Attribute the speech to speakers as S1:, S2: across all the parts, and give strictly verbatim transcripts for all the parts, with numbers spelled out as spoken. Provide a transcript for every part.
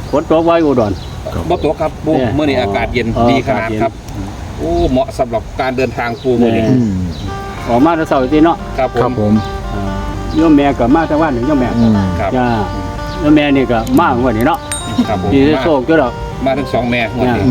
S1: ฝนตกไว้อุดร
S2: บ่ตกครับปูเมื่อนี้อากาศเย็นดีขนาดครับโอ้เหมาะสำหรับการเดินทางปูเมื่อนี้
S1: ออกมาแต่เช้าทีเนาะ
S2: ครับ
S3: ครับ
S2: ผ
S3: ผม ม
S1: โยมแม่ก็มาแต่วันหนึ่งโยมแม่
S2: ครับ
S1: จ้าโยมแม่นี่ก็มาวันนี้เนาะ
S2: ครับผม
S1: ที่โชคจ้ะดอก
S2: มาทั้งสองแม่วันนี้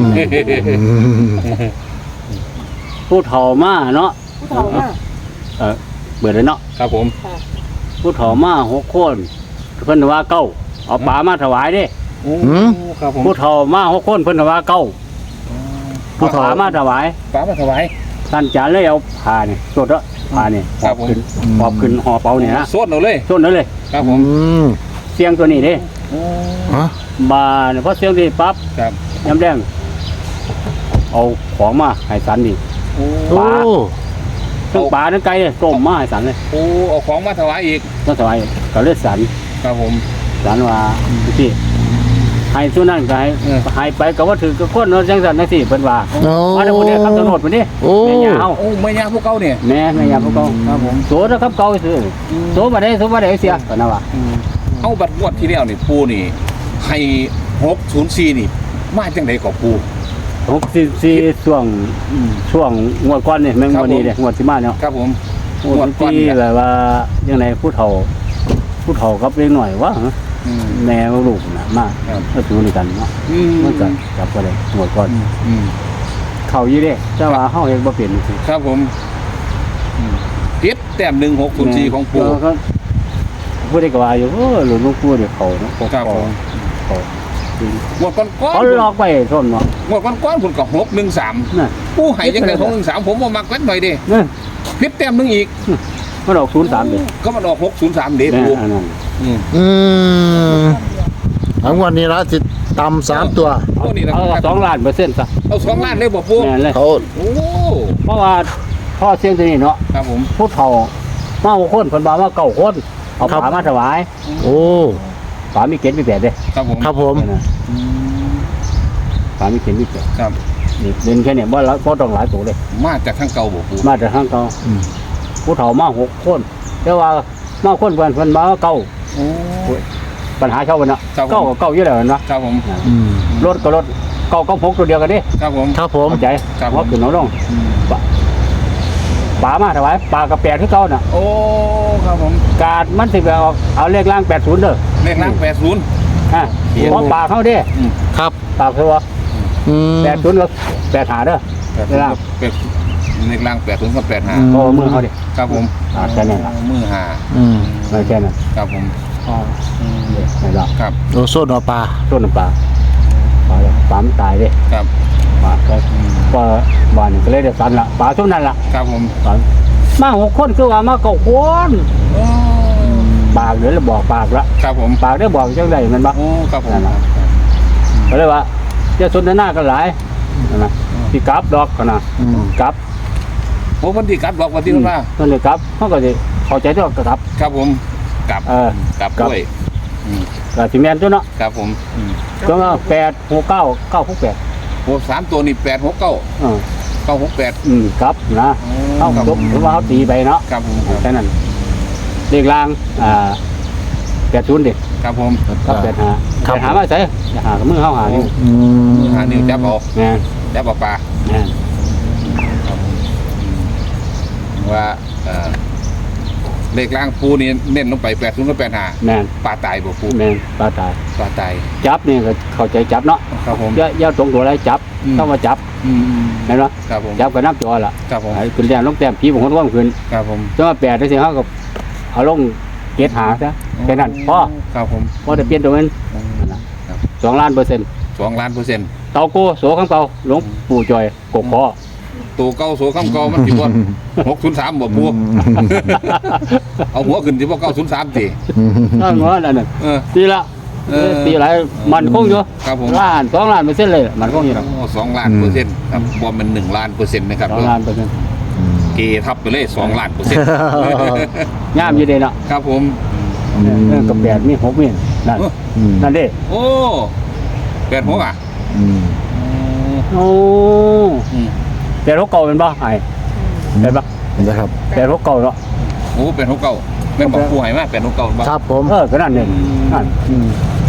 S1: ผู้เฒ่ามาเนาะ
S4: ผู้เฒ่ามาก
S1: เออเบิดเลยเนาะ
S2: ครับผม
S4: ค่ะ
S1: ผู้เฒ่ามาหกคนเพิ่นว่าเก้าเอาปลามาถวายเด้
S2: โอ้ครับผม
S1: ผู้เฒ่ามาหกคนเพิ่นว่าเก้าผู้ปลามาถวาย
S2: ป้ามาถวาย
S1: ท่านจานเลยเอาผ้านี่สดละผ้านี่ห
S2: ครั
S1: อ
S2: บบ ผม
S1: ขึ้นหอบขึ้นห่อเป๋านี่นะ
S2: โซดเอาเลย
S1: ส้นนั่นเลย
S2: ครับผ
S3: อื
S2: ม
S3: ม
S1: เสียงตัวนี้เด้
S2: โอ้
S3: ฮะ
S1: บานพอเสียงนี้ปั๊บ
S2: ครับ
S1: ย้ำแดงเอาของมาให้สันนี่
S2: โอ้
S3: โอ้
S1: ทั้งปลาทั้งไก่เลยต้มมาให้สันเลย
S2: โอ้เอาของมาถวายอีก
S1: ก็ถวายก็เลยสัน
S2: ครับผม
S1: สันว่าที่ให้สุนั่นก็ให้
S2: เออ
S1: ให้ไปก็ว่าถือก็คนเนาะจังสันนั่นสิเพิ่นว่า
S3: โอ้
S1: มาแต่คนนี้ครับตำรวจคนนี้
S3: โอ้
S1: แม่ยาเฮา
S2: โอ้ไม่ยากพวกเขาเนี่ย
S1: แม่แม่ยาพวกเขา
S2: ครับผม
S1: โสดครับเก่าซื่อโสบ่ได้โสบ่ได้เสียก็นะว่า
S2: เอาบัตรงวดที่แล้วนี่ปูนี่ให้หกศูนย์สี่นี่มาจังไดกับปู
S1: หกสิบสี่ช่วงช่วงงวดก่อนนี่แม่ง
S2: ครับ
S1: วันนี้
S2: ผม
S1: เด้งวดสิมาเนาะ
S2: ครับผม
S1: งวดที่แบบว่ายังไงผู้เฒ่าผู้เฒ่ากับเล็กหน่อยว่า
S2: อืม
S1: แม่ลูกน่ะมา
S2: ครับ
S1: ก็อยู่ด้วยกันเนาะ
S2: อืม
S1: มันก็จับก็ได้งวดก่อน
S2: อืม
S1: เข้าอยู่เด้แต่ว่าเฮาเฮ็ดบ่เป็นสิ
S2: ครับผมอืมติดแต้มหนึ่งหกศูนย์สี่ของปู
S1: แล้วก็ผู้ใดก็ว่าอยู่เออหลวงหลวงปู่เนี่ยเขาเนาะ
S2: ครับผม
S1: เขาจริง
S2: งวดก้อนก้อน
S1: เขาหลอกไปส้นเนาะ
S2: งวดก้อนก้อนผมก็หกหนึ่งสาม
S1: น่ะ
S2: ปูให้จังไดหกหนึ่งสามผมว่ามักเล็กหน่อยดิ
S1: นี่
S2: พิษแต้มหนึ่งอีก
S1: มันออกศูนย์สามเด้
S2: ก็มันออกหกศูนย์สามเด้
S1: เนี่ย
S2: ปู
S1: อันนั้น
S2: อืม
S3: อืมทั้งวันนี้ละจิตตำสามตัว
S2: ตัวนี้นะ
S1: เอาสองล้านเปอร์เซ็นต์ซะ
S2: เอาสองล้านเลยบ่ปู
S1: แม่นเลย
S3: เขา
S2: โอ้
S1: เพราะว่าพ่อเสียงตัวนี้เนาะ
S2: ครับผม
S1: ผู้เฒ่ามาหกคนเพิ่นว่ามาเก้าคนเอาผามาถวาย
S3: โอ้
S1: ผามีเกณฑ์มีแปดเด้
S2: ครับผม
S3: ครับผม
S1: นั่นน่ะ
S2: อืม
S1: ผามีเกณฑ์มีแปด
S2: ครับ
S1: นี่เล่นแค่เนี้บ่ละบ่ต้องหลายตัวเลย
S2: มาจากทางเก่าบ่ปู
S1: มาแต่ทางเก่า
S3: อืม
S1: ผู้เฒ่ามาหกคนแต่ว่ามาคนเพิ่นเพิ่นมาเก้า
S2: โอ้
S1: ปัญหาเช่ากันเนาะ
S2: ครับผม
S1: เก้ากับเก้าเยอะเลยเนาะ
S2: ครับผม
S3: อืม
S1: รถก็รถเก้ากับหกตัวเดียวกันดิ
S2: ครับผม
S3: ครับผม
S1: เข้าใจ
S2: ครับผม
S1: ว่าขึ้นเอาลง
S2: อืม
S1: ป่ามาถวายป่ากับแปดที่เก้าน่ะ
S2: โอ้ครับผม
S1: การมันสิไปเอาเอาเลขล่างแปดศูนย์เด้อ
S2: เลขล่างแปดศูนย์
S1: ฮะเพราะป่าเขาเด้
S3: ครับ
S1: ป่าคือว่า
S3: อืม
S1: แปดศูนย์กับแปดหาเด้อ
S2: แปด
S1: เลขล่าง
S2: แปดเลขล่างแปดศูนย์กับแปดห้า
S3: อืม
S1: เพราะว่ามือเขาดิ
S2: ครับผม
S1: อ่าแค่นั้นล่ะ
S2: มือห้า
S3: อืม
S1: ไม่แค่นั้น
S2: ครับผม
S1: อ๋อไม่หรอก
S2: ครับ
S3: โอโซนอปลา
S1: ต้นน้ำปลาป่าป่ามันตายเด้
S2: ครับ
S1: ป่าก็ก็บ้านนี่ก็เลยได้สันละป่าช่วงนั้นล่ะ
S2: ครับผม
S1: ป่ามาหกคนคือว่ามาเก้าคน
S2: โอ้
S1: ปากเดี๋ยวเราบอกปากละ
S2: ครับผม
S1: ปากได้บอกจังไดมันบ่
S2: โอ้ครับผม
S1: นั่นน่ะ ก็เลยว่าจะสนทนากันหลายนั่นนะที่กลับดอกกันนะ
S3: อืม
S1: กลับ
S2: โอ้วันที่กลับบอกวันที่มันมา
S1: นั่นเลยกลับเขาก็จะเข้าใจด้วยกลับ
S2: ครับผมกลับ
S1: เออก
S2: ลับ
S1: กลับ
S2: ด้วยอืม
S1: ก็สิแม่นตัวเนาะ
S2: ครับผมอืม
S1: ก็ว่าแปดหกเก้าเก้าหกแปด
S2: โอ้สามตัวนี่แปดหกเก้า
S1: เออ
S2: เก้าหกแปด
S1: อืมกลับนะเขา
S2: ครับ
S1: จบหรือว่าเขาตีไปเนาะ
S2: ครับผมครับ
S1: แค่นั้นเลขล่างอ่าแปดศูนย์เด็ก
S2: ครับผม
S1: กับแปดหาแปดหามาใส่อย่าหากับมือเขาหานี่
S3: อืม
S2: หานิ้วจับเอา
S1: แม่น
S2: จับเอาปลา
S1: แม่น
S2: ครับผมอืมว่าเอ่อเลขล่างปูนี่เน้นลงไปแปดศูนย์กับแปดห้า
S1: แม่น
S2: ปลาตายบ่ปู
S1: แม่นปลาตาย
S2: ปลาตาย
S1: จับนี่ก็เข้าใจจับเนาะ
S2: ครับผม
S1: อย่าอย่าตรงตัวอะไรจับ
S2: อืม
S1: ต้องมาจับ
S2: อืม
S1: เห็นไหม
S2: ครับผม
S1: จับกับน้ำจอล่ะ
S2: ครับผม
S1: ไอ้ขึ้นแต้มลงแต้มผีบางคนว่างขึ้น
S2: ครับผม
S1: จะมาแปดได้สิเขาก็เอาลงเกตหาซะแค่นั้นพอ
S2: ครับผม
S1: พอจะเปลี่ยนตรงนั้น
S2: ครับ
S1: สองล้านเปอร์เซ็นต์
S2: สองล้านเปอร์เซ็นต์
S1: เตาโก้โสข้างเตาหลวงปู่จอยกกคอ
S2: ตัวเก้าโสข้ามเก้ามันสิบ่หกศูนย์สามบ่ปูเอาหัวขึ้นสิบ่เก้าศูนย์สามสิ
S1: นั่นว่านั่นน่ะ
S2: เออ
S1: ตีละ
S2: เออ
S1: ตีหลายมันคงอยู่
S2: ครับผม
S1: ล้านสองล้านเปอร์เซ็นต์เลยมันคงอยู่หรอก
S2: โอ้สองล้านเปอร์เซ็นต์ครับบอมเป็นหนึ่งล้านเปอร์เซ็นต์นะครับ
S1: สองล้านเปอร์เซ็นต์
S2: เกทับไปเลยสองล้านเปอร์เซ็นต์
S1: งามอยู่เด้เนาะ
S2: ครับผม
S1: เออกับแปดมีหกมีนั่น
S3: อืม
S1: นั่นเด้
S2: โอ้แปดหกอ่ะ
S3: อืม
S1: โอ้
S2: อืม
S1: แปดหกเก่าเป็นบ่ไอ้เห็นปะ
S3: นะครับ
S1: แปดหกเก่าเนาะ
S2: โอ้แปดหกเก้าแม่นบอกผู้ให้มาแปดหกเก้าบ้าง
S3: ครับผม
S1: เออก็นั่นเนี่ยนั่น
S3: อืม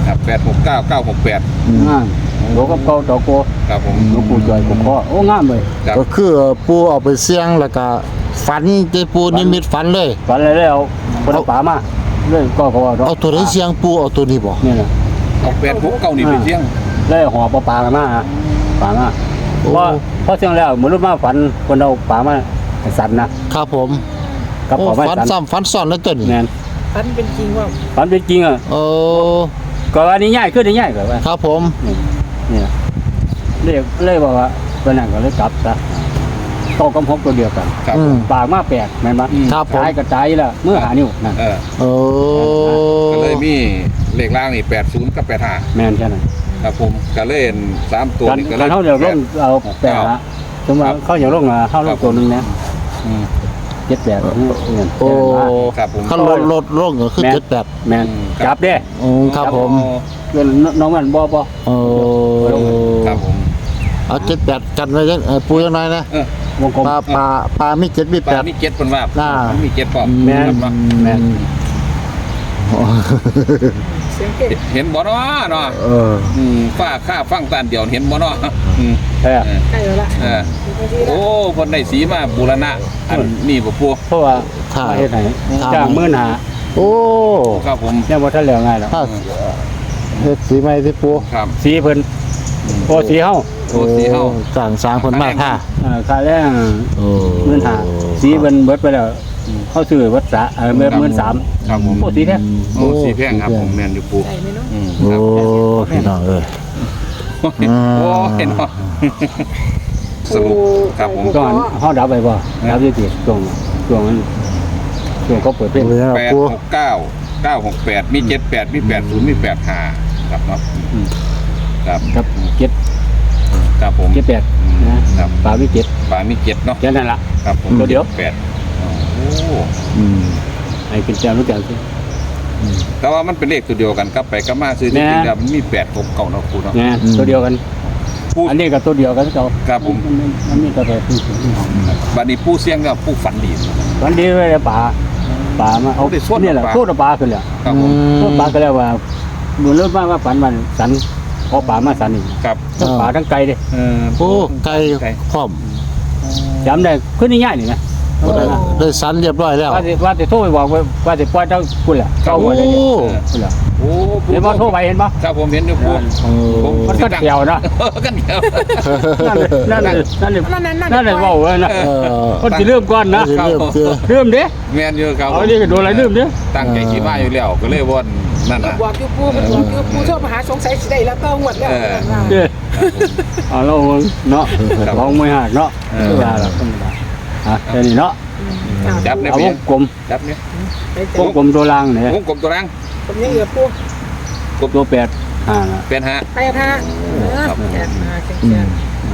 S2: ครับแปดหกเก้าเก้าหกแปด
S1: งามโลกับเก่าตอโก
S2: ครับผม
S1: หลวงปู่จอยกุคอโอ้งามเลย
S2: ครับ
S3: ก็คือปูเอาไปเสี่ยงแล้วก็ฝันที่ปูนิมิตฝันเลย
S1: ฝันอะไรแล้วคนเอาป่ามาเลยก็เขาว่า
S3: เอาตัวไหนเสี่ยงปูเอาตัวนี้บ่
S1: นี่แหละ
S2: เอาแปดหกเก้านี่เป็นเที่ยง
S1: เลยห่อปลาปลากันมาฮะป่ามาเพราะเพราะเชียงแล้วเหมือนรุ่นมาฝันคนเอาป่ามาให้สันนะครับ
S3: ผม
S1: กับ
S3: โอ้
S1: ป่าไม้
S3: ฝัน
S1: สัน
S3: ซ้ำฝันซ้อนแล้วตัวนี้
S1: แน่น
S4: ฝันเป็นจริงว่า
S1: ฝันเป็นจริงอ่ะ
S3: โอ้
S1: ก็อันนี้ง่ายขึ้นได้ง่ายกว่าว่า
S3: ครับผม
S1: นี่นะเลยเลยบอกว่าเป็นนั่นก็เลยกลับซะโตกับพบตัวเดียวกัน
S2: ครับ
S3: อืม
S1: ปากมาแปลกแม่นบ่
S3: ครับผม
S1: ตายกระจายแล้วเมื่อหานิ้วนั่น
S2: เออ
S3: โอ้
S2: ก็เลยมีเลขล่างนี่แปดศูนย์กับแปดห้า
S1: แม่นแค่นั้น
S2: ครับผมก็เล่นสามตัว
S1: กัน
S2: นี่ก็
S1: กั
S2: เล่
S1: น
S2: น
S1: เขาเดี๋ยวลงเอาแปดละสมมติว่าเขาอยากลงมาเขาลงตัวหนึงนะ
S2: อืม
S1: เจ็ดแปดนี่เงิน
S3: โอ้
S2: ครับผม
S3: คันลดลดลงก็คือเจ็ดแปด
S1: แม่นจับเด้
S3: อืมครับผม
S1: เงินน้องมันบ่บ่
S3: โอ้
S2: ครับผม
S3: เอาเจ็ดแปดกันไว้ยังเอ่อปูยังไงนะ
S2: เออ
S1: วงกลม
S3: ปลาปลาปลามีเจ็ดมี
S2: ป
S3: แป
S2: ลา
S3: ด
S2: มีเจ็ดเป็นว่า
S3: น่า
S2: มีเจ็ดปอบ
S1: แม่น
S2: ครับเนาะ
S1: แม่น
S3: โอ้
S4: เสียงเก่ง
S2: เห็นบ่เนาะเนาะ
S3: เออ
S2: อืมฝ้าข้าฟังตานเดียวเห็นบ่เนาะอืม
S1: ใช่
S2: เออ
S4: ใกล้แล้วละ
S2: เออโอ้คนได้สีมาบูรณะอันนี้บ่ปัว
S1: เพราะว่ามาเฮ็ดให้จ้างมื้อหน้า
S3: โอ้
S2: ครับผม
S1: ยังบ่ทันแล้วง่ายหรอก
S3: ถ้าเฮ็ดสีใหม่สิปู
S2: ครับ
S1: สีเพิ่นโอ้สีเฮา
S2: โอ้สีเฮา
S3: สั่งสร้างคนมากค่ะ
S1: เอ่อค่าแรง
S3: โอ้
S1: หมื่นห้าสีเพิ่นเบิดไปแล้วเขาซื้อวัดสะเออเมื่อหมื่นสาม
S2: ครับผม
S1: โอ้สีแท้
S2: โอ้สีแพงครับผมแม่นอยู่ปู
S4: ใกล้ไหมเนาะ
S2: อืม
S3: โอ้พี่น้องเอ้ย อืม
S2: โอ้เห็นเนาะสรุปครับผม
S1: ก่อนเฮาดับไปบ่ดับอยู่ที่ช่วงช่วงนั้นช่วงเขาเปิดเพลง
S3: เลยนะ
S2: แปด
S3: ปู
S2: หกเก้าเก้าหกแปดมีเจ็ดแปดมีแปดศูนย์มีแปดห้าครับเนาะ
S1: อืม
S2: ครับ
S1: กับเจ็ด
S2: ครับผม
S1: เจ็ดแปดนะครับ ปลาวิเจ็ด
S2: ปลามีเจ็ดเนาะ
S1: แค่นั้นล่ะ
S2: ครับผม
S1: ตัวเดียว
S2: แปดโอ้
S3: อืม
S1: ให้เป็นแจ้งรู้จักสิ
S2: แต่ว่ามันเป็นเลขตัวเดียวกันครับไปก็มาซื้อที่
S1: แม่
S2: จริงแล้วมันมีแปดหกเก้าเนาะคุณเนาะ
S1: นะตัวเดียวกัน
S2: ผู้
S1: อันนี้ก็ตัวเดียวกันเขา
S2: ครับผม
S1: นมันมีตัวเดียวกัน
S2: บัดนี้ผู้เสี่ยงก็ผู้ฝันดี
S1: วันนี้เลยปลาปลามาเอา
S2: เอาไปสวด
S1: นี่แหละ
S2: ปลา
S1: พูดปลาขึ้นแล้ว
S2: ครับผม
S1: พูดปลาก็แล้วว่าดูเริ่มมาว่าฝันมันสันพอปลามาสันอีก
S2: ครับ
S1: ทั้งปลาทั้งไก่เด้
S2: เออ
S3: โอ้ไก่พร้อม
S1: จำได้ขึ้นง่ายๆนี่นะ
S3: ได้สันเรียบร้อยแล้ว
S1: ว่าจะว่าจะโทรไปบอกว่าว่าจะปล่อยเจ้าคุณแหละเจ้าหัวได้เนี่ยคุณแหละ
S2: โอ้
S1: เห็นว่าโทรไปเห็นปะ
S2: ครับผมเห็นอยู่ผู้
S3: โอ้
S2: ผม
S1: มันก็เกี่ยวนะ
S2: กันเดียว
S1: นั่นเลยนั่นเลยนั่นเลย
S4: นั่นนั่นนั่น
S1: นั่นเลยเว่าเลยนะ
S3: เออ
S1: คนจะเริ่มก่อนนะ
S3: เริ่มเจอ
S1: เริ่มเด้
S2: แม่นอยู่ครับ
S1: เอาดิโดนอะไรเริ่มเด้
S2: ตั้งใจคิดมาอยู่แล้วก็เลยวนนั่นน่ะ
S4: บอกอยู่ปูมันบอกอยู่ปูโทรมาหาสงสัยสิได้แล้วก็หวดแล้ว
S1: เด้เอาเราเนาะของไม่หักเนาะธรรมดาละธรรมดาฮะแค่นี้เนาะ
S2: จับเนี่ย
S1: เอา
S2: เพี
S1: วย งกลม
S2: จับเนี่ย
S4: ไป
S1: ว
S4: เจอง
S1: กลมตัวล่างเนี่ยว
S2: งกลมตัวรัง
S4: ผมยังเหลือปู
S1: ตัวแปดอ่า
S2: เป็นฮะ
S4: ไปท่าแกมาแก
S3: อืม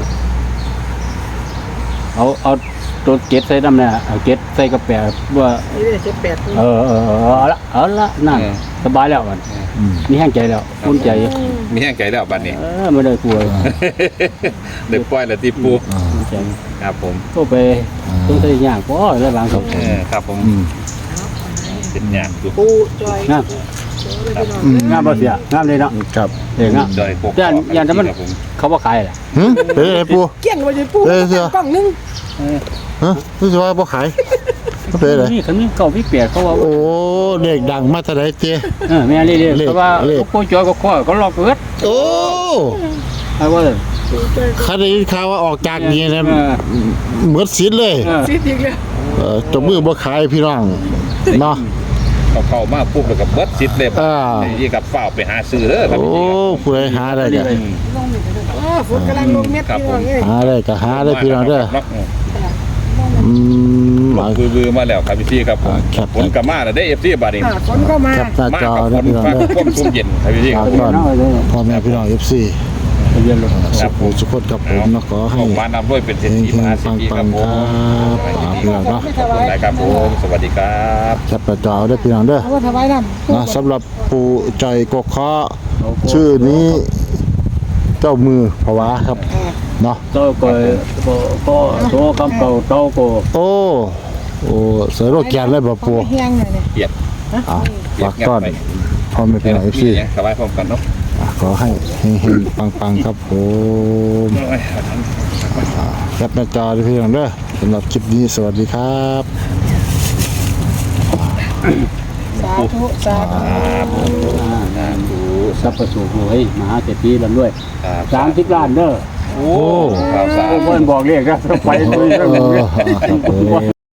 S1: เอาเอาตัวเก็ดใส่น้ำเนี่ยเอาเก็ดใส่กระแปดว่า
S4: นี่ได้เจ็ดแปดปู
S1: เออเออเออเอาละเอาละนั่นสบายแล้วมัน
S3: อืม
S1: มีแห้งใจแล้วอุ่นใจ
S2: มีแห้งใจแล้วบัดนี้
S1: เออไม่ได้กลัว
S2: เด็กปล่อยแล้วที่ปู
S1: อุ่นใจ
S2: ครับผม
S1: ก็ไปต้องใส่ยากก็ได้บางสอง
S2: เออครับผม
S3: อืม
S2: เป็นอย่างดู
S4: ปูจอย
S1: งาม
S3: อืม
S1: งามบ่เสียงามเลยเนาะ
S3: ครับ
S1: เด็กงาม
S2: จอยพวก
S1: ย่านย่านแต่มัน
S2: ครับผม
S1: เขาบ่ขายแหละ
S3: หึเป็นไงปู
S4: เกี้ยงไปเลยปูกล้องนึง
S3: ฮะรู้สึกว่าบ่ขายเป็นไร
S1: นี่คันนี้เก่าพี่เปียกเขาว่า
S3: โอ้เด็กดังมาแต่ไหนเจ๊
S1: เออแม่เรื่อย
S3: เลข
S1: ๆเพราะว่า
S3: เลข
S1: โคจอยก็ข้อก็ลอกเกิด
S3: โอ้
S1: เอาว่า
S3: ข้าได้ยินข่าวว่าออกจากนี้นะ
S1: เออ
S3: เหมือนสินเลย
S1: เออ
S4: ซีดอีกแล้ว
S3: เออจมือบ่ขายพี่น้องเนาะ
S2: เขาเข้ามาปุ๊บแล้วก็เบิดซิดเลย
S3: อ่า
S2: นี่กับฝ้าวไปหาซื้อเด้อครับ
S3: โอ้
S2: พี่ครับ
S3: ผู้ใดหาได้ก็
S4: อ๋อฝนกำลังลงเม็ดพี่น้องเอ้ย
S3: หาได้ก็หาได้พี่น้องเด้ออืม
S2: มาคือบือมาแล้วครับพี่ครับผม
S3: ครับ
S2: ฝนกลับมาแล้วได้เอฟซีบาดนี้
S4: ฝนก็มา
S3: แคปหน้า
S2: มา
S3: จอ
S2: กับฝ
S3: นะ
S2: น
S3: พี่น้อง
S2: ฟ้า
S3: เด้อ
S2: ความชุ่มเย็นครับพี่
S3: ฝาก
S2: ครับ
S3: ก่อนพ่อแม่พี่น้อง เอฟ ซี
S1: เรียนลง
S3: สุขสุขคนกับผมเนาะขอให้
S2: ออกมานำด้วยเป็นเศรษฐีมหาเศรษฐีครับผม
S3: ปังๆครับพี่น้องเนาะ
S2: ขอบคุณนะครับผมสวัสดีครับ
S3: แคปหน้าจอเด้อพี่น้องเด้อ
S4: เอาว่าถวายน้ำ
S3: นะสำหรับปู่ใจกกเคาะชื่อนี้เจ้ามือภาวะครับเนาะ
S1: โตก็ก็ก็โตคำเก่าโตก็
S3: โอ้โอ้เสือโรคแกนเลยบ่ปู่
S4: เฮียงหน่อยเนี่ย
S2: เกียรติ
S3: อ่ะ
S2: เกียร
S3: ฝาก
S2: ติงั
S3: ต้อน
S2: ไป
S3: พ่อแม่พี่น้องเอฟซี
S2: สบายพร้อมกันเนาะ
S3: ขอให้เฮงๆปังๆครับผมแคปหน้าจอด้วยพี่น้องเด้อสำหรับคลิปนี้สวัสดีครับ
S4: สาธุสาธุ
S1: ดูสัพพสูรวยมหาเศรษฐีลำด้วย
S2: ครับ
S1: สามสิบล้านเด้อ
S2: โอ้ครับสา
S1: โอ้
S2: ธุ
S1: เพิ่นบอกเลขนะไปด้วย
S3: เออครับผม